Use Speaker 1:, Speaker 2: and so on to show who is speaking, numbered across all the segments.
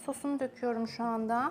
Speaker 1: sosunu döküyorum şu anda.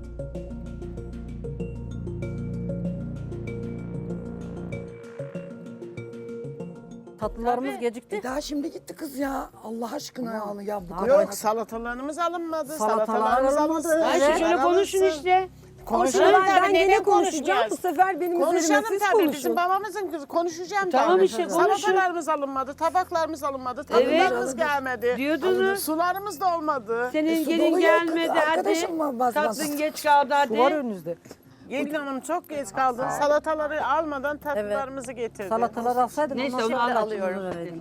Speaker 2: Tatlılarımız gecikti.
Speaker 3: Daha şimdi gitti kız ya. Allah aşkına ya bu kadar.
Speaker 4: Yok salatalarımız alınmadı.
Speaker 2: Salatalarımız
Speaker 4: Salatalarımız
Speaker 2: alınmadı.
Speaker 4: alınsın.
Speaker 2: Evet.
Speaker 5: Şöyle konuşun işte.
Speaker 4: Konuşalım
Speaker 5: Ben
Speaker 4: tabii.
Speaker 5: gene
Speaker 4: Neden
Speaker 5: konuşacağım.
Speaker 4: konuşmayacağız?
Speaker 5: Bu sefer benim üzerime
Speaker 4: Konuşalım
Speaker 5: siz
Speaker 4: tabii.
Speaker 5: konuşun.
Speaker 4: Bizim babamızın kızı. Konuşacağım
Speaker 5: Tamam
Speaker 4: tabii.
Speaker 5: işte, konuşun.
Speaker 4: Salatalarımız alınmadı. Tabaklarımız alınmadı.
Speaker 5: Evet.
Speaker 4: Tatlılarımız gelmedi.
Speaker 5: Diyordunuz.
Speaker 4: Sularımız da olmadı.
Speaker 5: Senin
Speaker 3: su
Speaker 5: gelin
Speaker 3: dolu yok.
Speaker 5: gelmedi hadi.
Speaker 3: Arkadaşım var basmaz.
Speaker 5: Tatlın geç kaldı hadi.
Speaker 2: Su var önünüzde.
Speaker 4: Gelin hanım çok geç kaldı. Salataları almadan tatlılarımızı getirdi.
Speaker 2: Salatalar alsaydın
Speaker 5: Neyse,
Speaker 2: ondan
Speaker 5: onu
Speaker 2: sonra
Speaker 5: alıyorum.
Speaker 2: vereydiniz.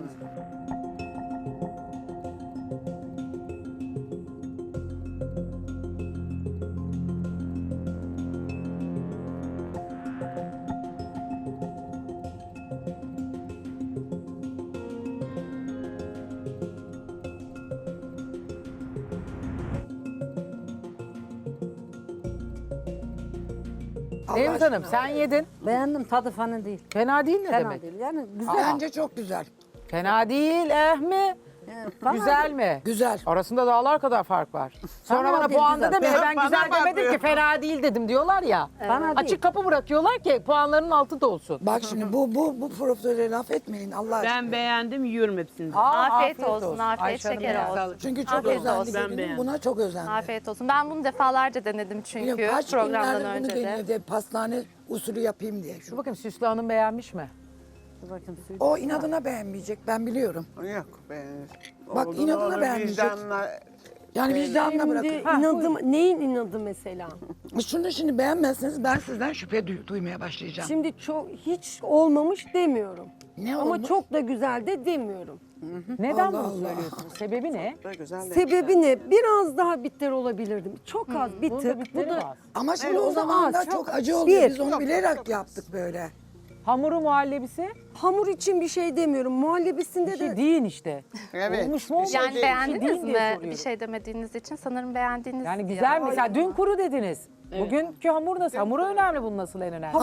Speaker 6: Nevzat Hanım sen yedin.
Speaker 2: Beğendim, tadı falan değil.
Speaker 6: Fena değil ne
Speaker 2: Fena
Speaker 6: demek?
Speaker 2: değil. Yani güzel.
Speaker 3: Bence çok güzel.
Speaker 6: Fena değil mi?
Speaker 2: Fena
Speaker 6: Güzel
Speaker 2: değil.
Speaker 6: mi?
Speaker 3: Güzel.
Speaker 6: Arasında dağlar kadar fark var. Sonra
Speaker 2: Fena
Speaker 6: bana
Speaker 2: değil,
Speaker 6: puanda
Speaker 2: güzel.
Speaker 6: deme ben
Speaker 4: Bana
Speaker 6: güzel demedim
Speaker 4: bakıyor.
Speaker 6: ki fena değil dedim diyorlar ya.
Speaker 2: Fena değil.
Speaker 6: Açık kapı bırakıyorlar ki puanların altında olsun.
Speaker 3: Bak şimdi bu profesöre laf etmeyin Allah aşkına.
Speaker 5: Ben beğendim, yiyorum hepsini.
Speaker 1: Afiyet olsun, afiyet
Speaker 6: Ayşe Hanım
Speaker 1: şeker
Speaker 6: ya.
Speaker 1: olsun.
Speaker 3: Çünkü çok
Speaker 1: Afiyet
Speaker 3: özendi
Speaker 1: olsun.
Speaker 5: Ben
Speaker 3: gelinim,
Speaker 5: beğendim.
Speaker 3: buna çok özendi.
Speaker 1: Afiyet olsun. Ben bunu defalarca denedim çünkü
Speaker 3: Biliyorum, kaç
Speaker 1: programdan
Speaker 3: günlerdir bunu
Speaker 1: önce de.
Speaker 3: deniyor de pastane usulü yapayım diye.
Speaker 6: Dur bakayım Süslü Hanım beğenmiş mi?
Speaker 2: Dur bakayım suyu.
Speaker 3: O inadına beğenmeyecek ben biliyorum.
Speaker 4: Yok be.
Speaker 3: Bak,
Speaker 4: Oldu
Speaker 3: inadına
Speaker 4: ne olur,
Speaker 3: beğenmeyecek.
Speaker 4: vicdanla-
Speaker 3: Yani vicdanına bırakın.
Speaker 5: inadım, neyin inadı mesela?
Speaker 3: Şunu şimdi beğenmezseniz ben sizden şüphe duymaya başlayacağım.
Speaker 5: Şimdi çok hiç olmamış demiyorum.
Speaker 3: Ne
Speaker 5: Ama
Speaker 3: olmuş?
Speaker 5: çok da güzel de demiyorum.
Speaker 6: Neden
Speaker 3: Allah
Speaker 6: bunu
Speaker 3: Allah.
Speaker 6: söylüyorsunuz? Sebebi ne?
Speaker 4: Da güzel de.
Speaker 5: Sebebi ne? Biraz daha bitter olabilirdim. Çok az bir
Speaker 6: Bunun
Speaker 5: tık.
Speaker 6: da bitleri var.
Speaker 3: Ama şimdi
Speaker 5: Evet,
Speaker 3: o
Speaker 5: o da
Speaker 3: zaman da
Speaker 5: az,
Speaker 3: çok
Speaker 5: çok
Speaker 3: acı oluyor.
Speaker 5: bir.
Speaker 3: Biz onu bilerek yaptık böyle.
Speaker 6: Hamuru muhallebisi
Speaker 5: Hamur için bir şey demiyorum. Muhallebisinde
Speaker 6: bir şey
Speaker 5: de
Speaker 6: değil işte.
Speaker 4: Evet.
Speaker 6: Olmuş mu olmamış mı?
Speaker 1: Yani
Speaker 6: Bir şey
Speaker 1: beğendiniz
Speaker 6: değil
Speaker 1: mi?
Speaker 6: diye soruyorum.
Speaker 1: Bir şey demediğiniz için sanırım beğendiniz.
Speaker 6: Yani
Speaker 1: diye.
Speaker 6: güzel mesela dün kuru dediniz. Bugünkü hamur nasıl? Hamuru önemli bunun nasıl en önemli.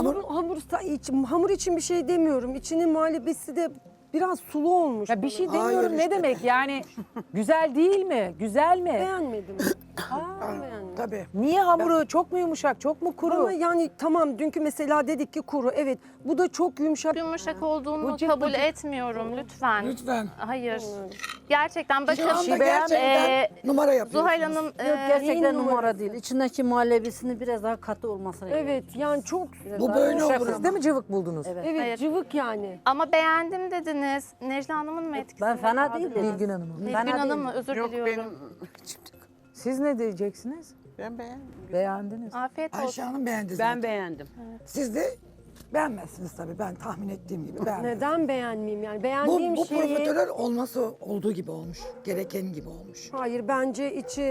Speaker 5: hamur için bir şey demiyorum. İçinin muhallebisi de biraz sulu olmuş.
Speaker 6: Ya bir şey
Speaker 3: Hayır
Speaker 6: demiyorum ne
Speaker 3: işte.
Speaker 6: demek yani güzel değil mi? Güzel mi?
Speaker 5: Beğenmedim. Beğenmedim.
Speaker 3: Tabii.
Speaker 6: Niye hamuru çok mu yumuşak, çok mu kuru?
Speaker 5: Ama yani tamam dünkü mesela dedik ki kuru. Evet bu da çok yumuşak.
Speaker 1: Yumuşak olduğunu
Speaker 6: Bıcık
Speaker 1: kabul
Speaker 6: bıcık.
Speaker 1: etmiyorum lütfen.
Speaker 3: Lütfen.
Speaker 1: Hayır. Gerçekten bakın
Speaker 3: Şu anda
Speaker 6: şey beğenmedim.
Speaker 3: gerçekten numara yapıyorsunuz.
Speaker 1: Zuhal Hanım
Speaker 2: Yok gerçekten
Speaker 5: neyin
Speaker 2: numara
Speaker 5: numarası?
Speaker 2: değil. İçindeki muhallebisinin biraz daha katı olması gerekiyor.
Speaker 5: Evet yani çok
Speaker 3: Bu böyle
Speaker 6: Yumuşak
Speaker 3: olur
Speaker 6: siz
Speaker 3: ama.
Speaker 6: değil mi cıvık buldunuz?
Speaker 2: Evet.
Speaker 5: evet
Speaker 1: Hayır.
Speaker 5: cıvık yani.
Speaker 1: ama beğendim dediniz. Necla Hanım'ın mı etkisi?
Speaker 2: Ben fena değil dedim.
Speaker 6: Nilgün Hanım'ın.
Speaker 1: Nilgün
Speaker 2: Fena
Speaker 1: Hanım
Speaker 2: değil.
Speaker 1: mı? Özür
Speaker 4: Yok
Speaker 1: diliyorum.
Speaker 4: benim.
Speaker 6: Siz ne diyeceksiniz?
Speaker 4: Ben beğendim.
Speaker 6: Beğendiniz.
Speaker 1: Afiyet olsun.
Speaker 3: Ayşe Hanım beğendi zaten.
Speaker 5: Ben beğendim.
Speaker 3: Siz de beğenmezsiniz tabii. Ben tahmin ettiğim gibi beğenmem.
Speaker 5: Neden beğenmeyeyim yani?
Speaker 3: Bu,
Speaker 5: Beğendiğim
Speaker 3: bu
Speaker 5: şeyi...
Speaker 3: profiterol olması olduğu gibi olmuş. Gereken gibi olmuş.
Speaker 5: Hayır bence içi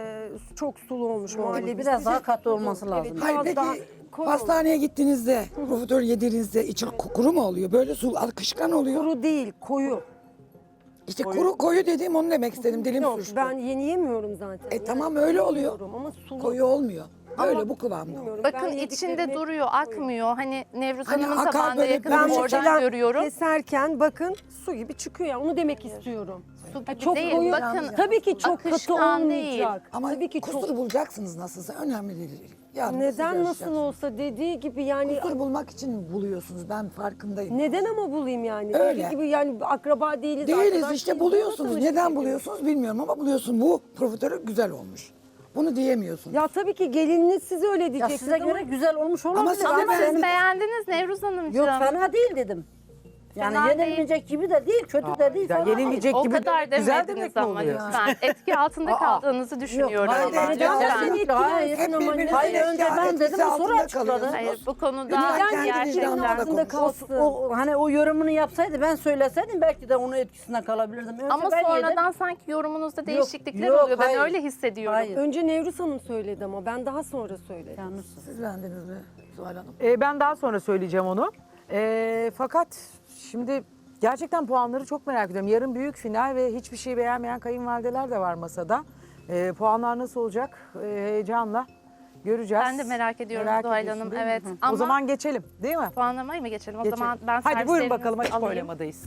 Speaker 5: çok sulu olmuş. Muhallebisi
Speaker 2: Biraz daha
Speaker 5: de-
Speaker 2: katı olması lazım.
Speaker 5: Evet,
Speaker 3: Hayır
Speaker 5: biraz
Speaker 3: peki
Speaker 5: daha koyu
Speaker 3: pastaneye gittiğinizde profiterol yediğinizde içi kuru mu oluyor? Böyle su akışkan oluyor.
Speaker 5: kuru değil, koyu.
Speaker 3: İşte kuru koyu dediğim onu demek istedim. Dilim
Speaker 5: Yok
Speaker 3: suçtu.
Speaker 5: ben yeni yemiyorum zaten.
Speaker 3: Tamam öyle oluyor.
Speaker 5: Yiyorum ama sulu.
Speaker 3: Koyu olmuyor. Böyle bu kıvamda.
Speaker 5: Bilmiyorum,
Speaker 1: Bakın
Speaker 5: ben
Speaker 1: içinde
Speaker 5: yediklerimi-
Speaker 1: duruyor, akmıyor. Hani Nevruz
Speaker 3: Hani
Speaker 1: Hanım'ın
Speaker 3: akar
Speaker 1: tabağında
Speaker 3: böyle
Speaker 1: yakın
Speaker 3: ben
Speaker 5: Ben
Speaker 1: oradan
Speaker 5: mesela
Speaker 1: görüyorum.
Speaker 5: keserken bakın su gibi çıkıyor ya onu demek istiyorum.
Speaker 1: Su
Speaker 5: Ha,
Speaker 1: gibi
Speaker 5: çok
Speaker 1: değil.
Speaker 5: koyu.
Speaker 1: Bakın
Speaker 5: Tabii ki çok katı
Speaker 1: akışkan değil.
Speaker 5: olmayacak.
Speaker 3: Ama
Speaker 5: Tabii ki
Speaker 3: kusur
Speaker 5: çok.
Speaker 3: bulacaksınız nasılsa. Önemli değil. Yarın
Speaker 5: Neden
Speaker 3: siz
Speaker 5: nasıl
Speaker 3: yarışacaksınız.
Speaker 5: olsa dediği gibi yani
Speaker 3: Kusur bulmak için buluyorsunuz. Ben farkındayım.
Speaker 5: neden ama bulayım yani?
Speaker 3: Öyle.
Speaker 5: Dediği gibi yani akraba değiliz.
Speaker 3: Değiliz
Speaker 5: arkadaş
Speaker 3: işte
Speaker 5: değiliz.
Speaker 3: buluyorsunuz.
Speaker 5: Nasıl
Speaker 3: Neden
Speaker 5: bir şey?
Speaker 3: buluyorsunuz bilmiyorum ama buluyorsun. Bu profiterol güzel olmuş. Bunu diyemiyorsun.
Speaker 5: Ya tabii ki gelininiz siz öyle
Speaker 2: Ya
Speaker 5: diyeceksiniz
Speaker 2: size
Speaker 5: ama
Speaker 2: göre güzel olmuş olabilir.
Speaker 3: Ama size
Speaker 1: Ama
Speaker 3: ben-
Speaker 1: siz beğendiniz Nevruz Hanımcığım.
Speaker 2: Yok fena değil dedim. Yani
Speaker 1: Fena
Speaker 2: yenilmeyecek gibi de değil, kötü de değil.
Speaker 6: Ya
Speaker 2: fena değil.
Speaker 6: yenilmeyecek
Speaker 1: O
Speaker 6: gibi
Speaker 1: kadar
Speaker 6: de güzel
Speaker 1: demediniz
Speaker 6: demek mi
Speaker 1: ama
Speaker 6: oluyor?
Speaker 1: lütfen. Etki altında kaldığınızı düşünüyorum
Speaker 2: hayır,
Speaker 1: ama.
Speaker 3: hayır,
Speaker 2: Neden?
Speaker 3: hayır.
Speaker 2: Kesinlikle hayır.
Speaker 3: Hep birbirinize
Speaker 2: Hayır, önce ben
Speaker 3: etkisi
Speaker 2: dedim, o sonra
Speaker 3: altında
Speaker 2: açıkladı.
Speaker 3: kalıyorsunuz.
Speaker 1: Hayır bu konuda
Speaker 3: Lütfen kendi
Speaker 1: gerçekten
Speaker 3: vicdanınızda
Speaker 5: altında
Speaker 3: konuşun.
Speaker 5: kalsın.
Speaker 2: O hani o yorumunu yapsaydı ben söyleseydim belki de onun etkisine kalabilirdim. Önce
Speaker 1: ama
Speaker 2: ben
Speaker 1: sonradan
Speaker 2: yedim.
Speaker 1: sanki yorumunuzda değişiklikler
Speaker 2: yok,
Speaker 1: oluyor. Ben
Speaker 2: hayır.
Speaker 1: öyle hissediyorum.
Speaker 2: Hayır.
Speaker 5: Önce Nevruz Hanım söyledi ama ben daha sonra söyledim.
Speaker 2: Yanlışsın.
Speaker 3: Siz beğendiniz mi Zuhal Hanım?
Speaker 6: Ben daha sonra söyleyeceğim onu. Fakat şimdi gerçekten puanları çok merak ediyorum. Yarın büyük final ve hiçbir şey beğenmeyen kayınvalideler de var masada. Puanlar nasıl olacak? Heyecanla göreceğiz.
Speaker 1: Ben de merak ediyorum Zuhal
Speaker 6: ediyorsun
Speaker 1: Hanım,
Speaker 6: değil mi?
Speaker 1: evet.
Speaker 6: Hı.
Speaker 1: Ama-
Speaker 6: O zaman geçelim değil mi?
Speaker 1: Puanlamayı mı geçelim? O
Speaker 6: Geçelim.
Speaker 1: zaman ben
Speaker 6: Hadi buyurun
Speaker 1: servislerinizi
Speaker 6: bakalım açık
Speaker 1: alayım.
Speaker 6: oylamadayız.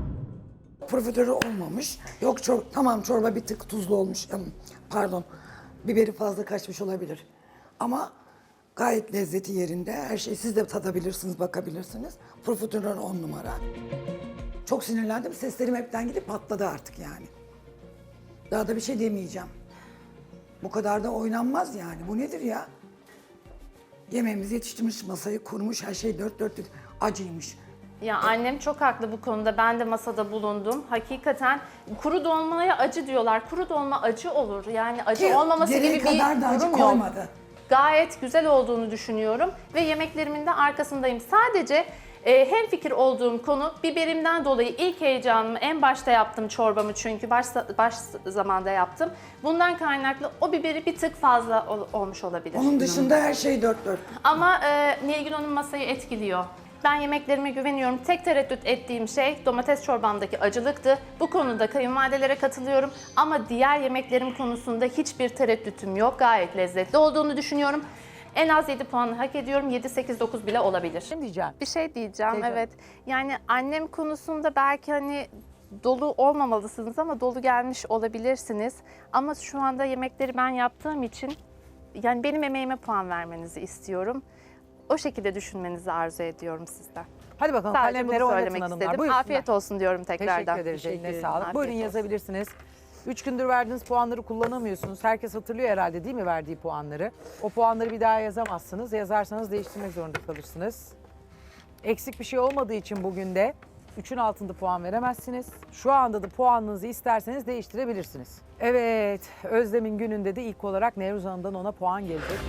Speaker 3: Profiterol olmamış. Yok tamam çorba bir tık tuzlu olmuş. Pardon. Biberi fazla kaçmış olabilir. Ama gayet lezzeti yerinde. Her şeyi siz de tadabilirsiniz, bakabilirsiniz. Profiterol 10 numara. Çok sinirlendim. Seslerim hepten gidip patladı artık yani. Daha da bir şey demeyeceğim. Bu kadar da oynanmaz yani. Bu nedir ya? Yemeğimizi yetiştirmiş, masayı kurmuş, her şey dört dörtlük. Acıymış.
Speaker 1: Ya annem çok haklı bu konuda. Ben de masada bulundum. Hakikaten kuru dolmaya acı diyorlar. Kuru dolma acı olur. Yani acı
Speaker 3: Ki
Speaker 1: olmaması
Speaker 3: gereği
Speaker 1: gibi bir
Speaker 3: kadar da acı
Speaker 1: durum yok.
Speaker 3: koymadı.
Speaker 1: Gayet güzel olduğunu düşünüyorum ve yemeklerimin de arkasındayım. Sadece hemfikir olduğum konu biberimden dolayı ilk heyecanımı en başta yaptım çorbamı çünkü baş zamanda yaptım. Bundan kaynaklı o biberi bir tık fazla olmuş olabilir.
Speaker 3: Onun dışında her şey dört dört.
Speaker 1: Ama Nilgün Hanım masayı etkiliyor. Ben yemeklerime güveniyorum. Tek tereddüt ettiğim şey domates çorbamdaki acılıktı. Bu konuda kayınvalidelere katılıyorum. Ama diğer yemeklerim konusunda hiçbir tereddütüm yok. Gayet lezzetli olduğunu düşünüyorum. En az 7 puan hak ediyorum. 7, 8, 9 bile olabilir.
Speaker 6: Ne diyeceğim?
Speaker 1: Bir şey diyeceğim,
Speaker 6: Diyeceğim.
Speaker 1: evet. Yani annem konusunda belki hani dolu olmamalısınız ama dolu gelmiş olabilirsiniz. Ama şu anda yemekleri ben yaptığım için yani benim emeğime puan vermenizi istiyorum. O şekilde düşünmenizi arzu ediyorum sizden.
Speaker 6: Hadi bakalım
Speaker 1: Sadece
Speaker 6: kalemleri
Speaker 1: bunu
Speaker 6: oynatın
Speaker 1: söylemek
Speaker 6: hanımlar.
Speaker 1: istedim.
Speaker 6: Buyursunlar.
Speaker 1: Afiyet olsun diyorum tekrardan.
Speaker 6: Teşekkür ederiz. Eline
Speaker 2: ederim.
Speaker 6: sağlık.
Speaker 1: Afiyet
Speaker 6: Buyurun
Speaker 1: olsun.
Speaker 6: yazabilirsiniz. 3 gündür verdiğiniz puanları kullanamıyorsunuz. Herkes hatırlıyor herhalde değil mi verdiği puanları? O puanları bir daha yazamazsınız. Yazarsanız değiştirmek zorunda kalırsınız. Eksik bir şey olmadığı için bugün de 3'ün altında puan veremezsiniz. Şu anda da puanınızı isterseniz değiştirebilirsiniz. Evet, Özlem'in gününde de ilk olarak Nevruz Hanım'dan ona puan gelecek.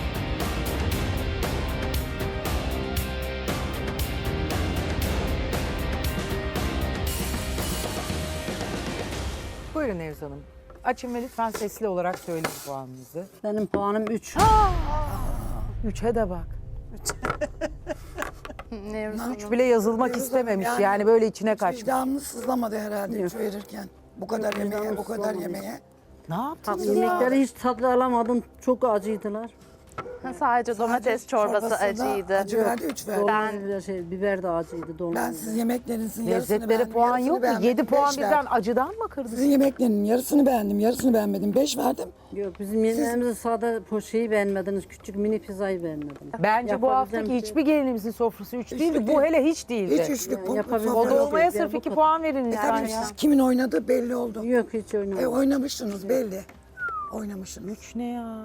Speaker 6: Buyurun Nevruz Hanım. Açın ve lütfen sesli olarak söyleyin puanınızı.
Speaker 2: Benim puanım 3.
Speaker 6: 3'e de bak.
Speaker 1: Nevruz Hanım.
Speaker 6: 3 bile yazılmak istememiş yani böyle içine kaçmış.
Speaker 3: Vicdanınız sızlamadı herhalde üç verirken. Bu kadar yemeğe, bu kadar yemeğe.
Speaker 6: Ne yaptınız ya?
Speaker 2: Yemekleri hiç tatlı alamadım. Çok acıydılar.
Speaker 1: Sadece domates çorbası
Speaker 3: da
Speaker 1: acıydı.
Speaker 3: Acı verdi 3 verdi.
Speaker 2: Biber de acıydı. Dolma.
Speaker 3: Ben sizin yemeklerinizin yarısını
Speaker 6: Lezzetlere
Speaker 3: beğendim,
Speaker 6: puan
Speaker 3: yarısını
Speaker 6: yok mu?
Speaker 3: beğenmedim,
Speaker 6: 7 puan
Speaker 3: beş
Speaker 6: birden
Speaker 3: verdim.
Speaker 6: acıdan mı kırdınız?
Speaker 3: Sizin yemeklerinin yarısını beğendim, yarısını beğenmedim. 5 verdim.
Speaker 2: Yok bizim yemeğimizde sade şeyi beğenmediniz. Küçük mini pizzayı beğenmedim.
Speaker 6: Bence bu
Speaker 2: Yapabileceğim
Speaker 6: haftaki
Speaker 2: şey-
Speaker 6: hiçbir gelinimizin sofrası 3 değildi. Bu
Speaker 3: değil.
Speaker 6: hele hiç değildi.
Speaker 3: Hiç üçlük
Speaker 2: yapabileceğim
Speaker 6: O
Speaker 3: sofra
Speaker 6: da
Speaker 3: yok.
Speaker 6: olmaya
Speaker 2: Ya
Speaker 6: sırf
Speaker 2: bu
Speaker 6: 2
Speaker 2: kadar.
Speaker 6: puan verin lütfen
Speaker 3: Tabii
Speaker 6: ya.
Speaker 3: siz kimin oynadığı belli oldu.
Speaker 2: Yok hiç oynamadım.
Speaker 3: Oynamışsınız belli. Oynamışsınız.
Speaker 6: 3 ne ya?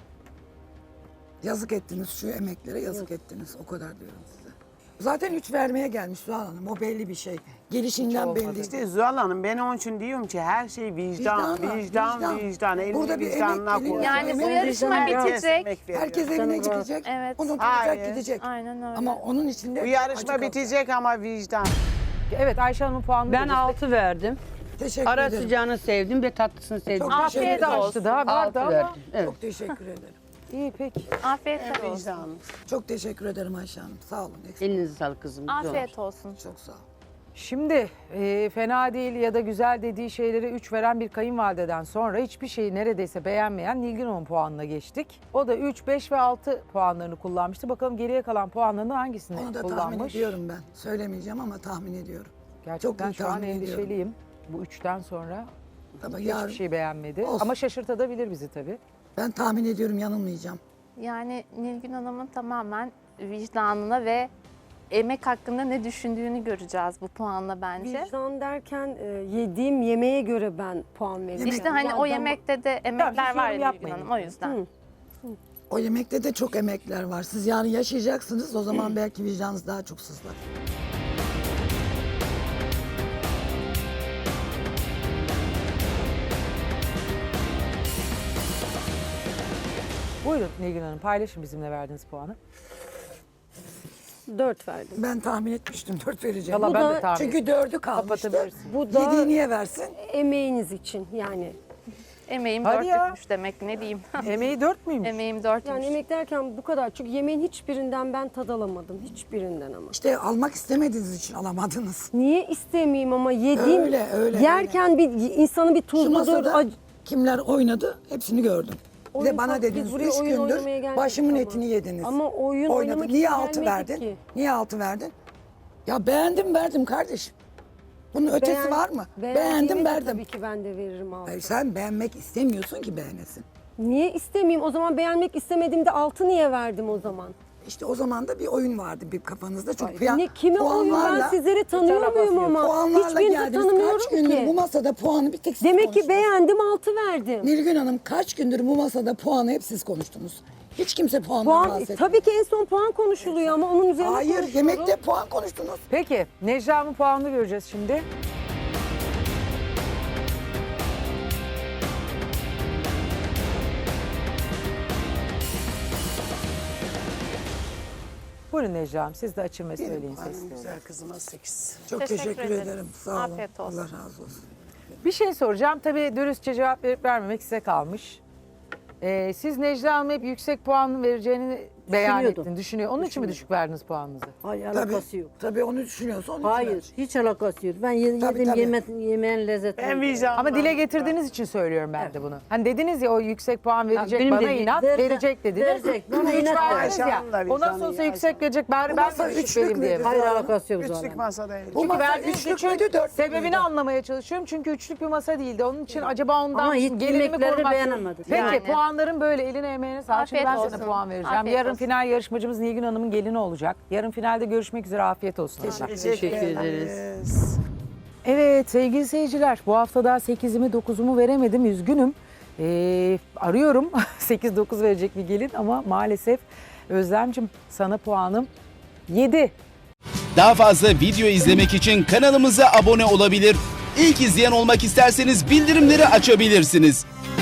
Speaker 3: Yazık ettiniz şu emeklere, yazık ettiniz. O kadar diyorum size. Zaten 3 vermeye gelmiş Zuhal Hanım. O belli bir şey. Gelişinden belli.
Speaker 4: İşte Zuhal Hanım ben onun için diyorum ki her şey vicdan, vicdan. Elini
Speaker 3: Burada bir
Speaker 4: vicdanına
Speaker 3: emek
Speaker 4: koy.
Speaker 3: geliyor.
Speaker 1: Yani bu
Speaker 3: Emeğin
Speaker 1: yarışma
Speaker 3: vicdanı-
Speaker 1: bitecek.
Speaker 3: Herkes evine
Speaker 2: Canım rahat.
Speaker 3: gidecek.
Speaker 1: Evet.
Speaker 3: Onu tutacak
Speaker 4: Hayır.
Speaker 3: gidecek.
Speaker 1: Aynen öyle.
Speaker 3: Ama onun içinde
Speaker 4: Bu yarışma bitecek ama vicdan.
Speaker 6: Evet Ayşe Hanım'ın puanını
Speaker 7: Ben
Speaker 6: vereceğiz.
Speaker 7: 6 verdim.
Speaker 3: Teşekkür
Speaker 7: Ara
Speaker 3: ederim.
Speaker 7: sıcağını sevdim ve tatlısını sevdim.
Speaker 3: Çok
Speaker 1: Afiyet
Speaker 3: teşekkür ederim.
Speaker 1: olsun.
Speaker 6: Açtı daha vardı
Speaker 7: 6
Speaker 6: ama.
Speaker 7: verdim. Evet.
Speaker 3: Çok teşekkür ederim.
Speaker 6: İyi peki.
Speaker 1: Afiyet olsun.
Speaker 4: Vicdan.
Speaker 3: Çok teşekkür ederim Ayşe Hanım. Sağ olun. Eksik.
Speaker 7: Elinize sağlık kızım. Güzel olmuş.
Speaker 1: Afiyet olsun.
Speaker 3: Çok sağ olun.
Speaker 6: Şimdi fena değil ya da güzel dediği şeylere 3 veren bir kayınvalideden sonra hiçbir şeyi neredeyse beğenmeyen Nilgün Hanım puanına geçtik. O da 3, 5 ve 6 puanlarını kullanmıştı. Bakalım geriye kalan puanlarını hangisini
Speaker 3: Onu da tahmin
Speaker 6: kullanmış?
Speaker 3: ediyorum ben. Söylemeyeceğim ama tahmin ediyorum.
Speaker 6: Gerçekten
Speaker 3: iyi
Speaker 6: şu an
Speaker 3: tahmin ediyorum.
Speaker 6: endişeliyim. Bu 3'ten sonra
Speaker 3: Tabii
Speaker 6: hiçbir
Speaker 3: yarın
Speaker 6: şey beğenmedi.
Speaker 3: Olsun.
Speaker 6: Ama şaşırtabilir bizi tabii.
Speaker 3: ben tahmin ediyorum yanılmayacağım.
Speaker 1: Yani Nilgün Hanım'ın tamamen vicdanına ve emek hakkında ne düşündüğünü göreceğiz bu puanla bence.
Speaker 5: Vicdan derken yediğim yemeğe göre ben puan veriyorum.
Speaker 1: İşte hani
Speaker 5: Yani
Speaker 1: o yemekte de emekler
Speaker 6: Tamam, siz
Speaker 1: var
Speaker 6: yorum
Speaker 1: ya Nilgün
Speaker 6: yapmayın.
Speaker 1: Hanım o yüzden.
Speaker 5: Hı.
Speaker 3: O yemekte de çok emekler var. Siz yarın yaşayacaksınız. O zaman belki vicdanınız daha çok sızlar.
Speaker 6: Buyurun Nilgün Hanım paylaşın bizimle verdiğiniz puanı.
Speaker 5: 4 verdim.
Speaker 3: Ben tahmin etmiştim 4 vereceğim.
Speaker 6: Valla
Speaker 5: Bu
Speaker 6: ben
Speaker 5: da-
Speaker 6: de tahmin
Speaker 3: Çünkü 4'ü kalmıştı.
Speaker 6: Kapatabilirsin.
Speaker 5: Bu da
Speaker 3: 7'yi niye versin?
Speaker 5: emeğiniz için yani.
Speaker 1: Emeğim
Speaker 6: Hadi ya.
Speaker 1: dörtlükmüş demek ne diyeyim.
Speaker 6: Emeği 4 müymüş?
Speaker 1: Emeğim dörtmüş.
Speaker 5: Yani emek derken bu kadar. Çünkü yemeğin hiçbirinden ben tad alamadım. Hiçbirinden ama.
Speaker 3: İşte almak istemediğiniz için alamadınız.
Speaker 5: Niye istemeyeyim ama yediğim
Speaker 3: Öyle,
Speaker 5: yerken bir insanı bir
Speaker 3: Şu
Speaker 5: tuzludur.
Speaker 3: masada kimler oynadı hepsini gördüm. Bir
Speaker 5: Oyun
Speaker 3: de bana
Speaker 5: biz
Speaker 3: dediniz
Speaker 5: buraya
Speaker 3: 3
Speaker 5: oyun oynamaya
Speaker 3: gündür
Speaker 5: gelmedik
Speaker 3: başımın
Speaker 5: ama.
Speaker 3: etini yediniz.
Speaker 5: Ama oyun
Speaker 3: Oynadı.
Speaker 5: oynamak
Speaker 3: Niye
Speaker 5: için
Speaker 3: 6
Speaker 5: gelmedik
Speaker 3: verdin?
Speaker 5: ki.
Speaker 3: Niye 6 verdin? Ya beğendim verdim kardeşim. Bunun ötesi var mı?
Speaker 5: Beğendiğime
Speaker 3: Beğendim
Speaker 5: de
Speaker 3: verdim.
Speaker 5: Tabii ki ben de veririm altı.
Speaker 3: Hayır, sen beğenmek istemiyorsun ki beğenesin.
Speaker 5: Niye istemeyeyim? O zaman beğenmek istemediğimde 6 niye verdim o zaman?
Speaker 3: İşte o zaman da bir oyun vardı bir kafanızda. Çünkü
Speaker 5: Ne, kime oyun? Ben sizleri tanıyor
Speaker 2: alakası
Speaker 5: muyum
Speaker 2: yok.
Speaker 5: ama?
Speaker 3: puanlarla
Speaker 5: Hiçbirini
Speaker 3: geldiniz.
Speaker 5: tanımıyorum
Speaker 3: Kaç gündür bu
Speaker 5: ki.
Speaker 3: masada puanı bir tek siz
Speaker 5: Demek ki
Speaker 3: konuştunuz.
Speaker 5: beğendim 6 verdim.
Speaker 3: Nilgün Hanım kaç gündür bu masada puanı hep siz konuştunuz. Hiç kimse puandan
Speaker 5: Puan,
Speaker 3: bahsetmiyor.
Speaker 5: tabii ki en son puan konuşuluyor ama onun üzerine
Speaker 3: Hayır,
Speaker 5: konuşuyoruz.
Speaker 3: yemekte puan konuştunuz.
Speaker 6: Peki Necla'nın puanını göreceğiz şimdi. Buyurun Necla'm siz de açın ve söyleyin sesli olun.
Speaker 4: Güzel kızıma 8.
Speaker 3: Çok
Speaker 1: Teşekkür
Speaker 3: teşekkür
Speaker 1: ederim.
Speaker 3: ederim. Sağ olun.
Speaker 1: Afiyet olsun.
Speaker 3: Allah razı olsun.
Speaker 6: Bir şey soracağım. Tabii dürüstçe cevap verip vermemek size kalmış. Siz Necla Hanım'a hep yüksek puan vereceğini beyan
Speaker 2: Düşünüyordum.
Speaker 6: ettin, düşünüyor. Onun için mi düşük verdiniz puanınızı?
Speaker 2: Hayır
Speaker 3: Tabii,
Speaker 2: alakası yok.
Speaker 3: tabii onu düşünüyorsa onun
Speaker 2: Hayır
Speaker 3: için.
Speaker 2: hiç alakası yok. Ben
Speaker 3: Tabii,
Speaker 2: yedim
Speaker 3: tabii.
Speaker 2: yemeğin lezzetini.
Speaker 4: En vicdanlı.
Speaker 6: Ama dile getirdiğiniz için söylüyorum ben de bunu. Hani dediniz ya o yüksek puan verecek,
Speaker 2: benim
Speaker 6: bana
Speaker 2: dediğim,
Speaker 6: inat, verecek dediniz.
Speaker 2: verecek, bana
Speaker 6: Üç
Speaker 2: inat
Speaker 6: verdiniz
Speaker 4: ver.
Speaker 6: ya.
Speaker 4: Ayşe
Speaker 6: O nasıl
Speaker 4: Hanım'la
Speaker 6: olsa
Speaker 4: vicdanı,
Speaker 6: yüksek verecek, bari ben
Speaker 3: masa
Speaker 6: de düşük
Speaker 3: üçlük
Speaker 6: vereyim diye.
Speaker 3: nedir?
Speaker 2: Hayır alakası yok
Speaker 4: Üçlük
Speaker 2: zaten.
Speaker 4: masa değil.
Speaker 3: Bu masa
Speaker 6: Verdiğiniz
Speaker 3: üçlük
Speaker 6: üçün
Speaker 3: müydü, dörtlük
Speaker 6: sebebini
Speaker 3: müydü?
Speaker 6: anlamaya çalışıyorum. Çünkü üçlük bir masa değildi. Onun için acaba ondan
Speaker 2: Ama hiç
Speaker 6: gelinimi
Speaker 2: yemekleri
Speaker 6: korumak.
Speaker 2: beğenemedim.
Speaker 6: Peki
Speaker 1: Yani.
Speaker 6: puanların böyle eline emeğine sağlık. Şimdi
Speaker 1: Afiyet
Speaker 6: ben sana
Speaker 1: olsun.
Speaker 6: puan vereceğim.
Speaker 1: Afiyet
Speaker 6: Yarın
Speaker 1: olsun.
Speaker 6: final yarışmacımız Nilgün Hanım'ın gelini olacak. Yarın finalde görüşmek üzere. Afiyet olsun.
Speaker 2: Teşekkür ederiz.
Speaker 6: Evet sevgili seyirciler, bu hafta daha 8'imi 9'umu veremedim, üzgünüm. Arıyorum 8-9 verecek bir gelin ama maalesef Özlemciğim sana puanım 7.
Speaker 8: Daha fazla video izlemek için kanalımıza abone olabilir. İlk izleyen olmak isterseniz bildirimleri açabilirsiniz.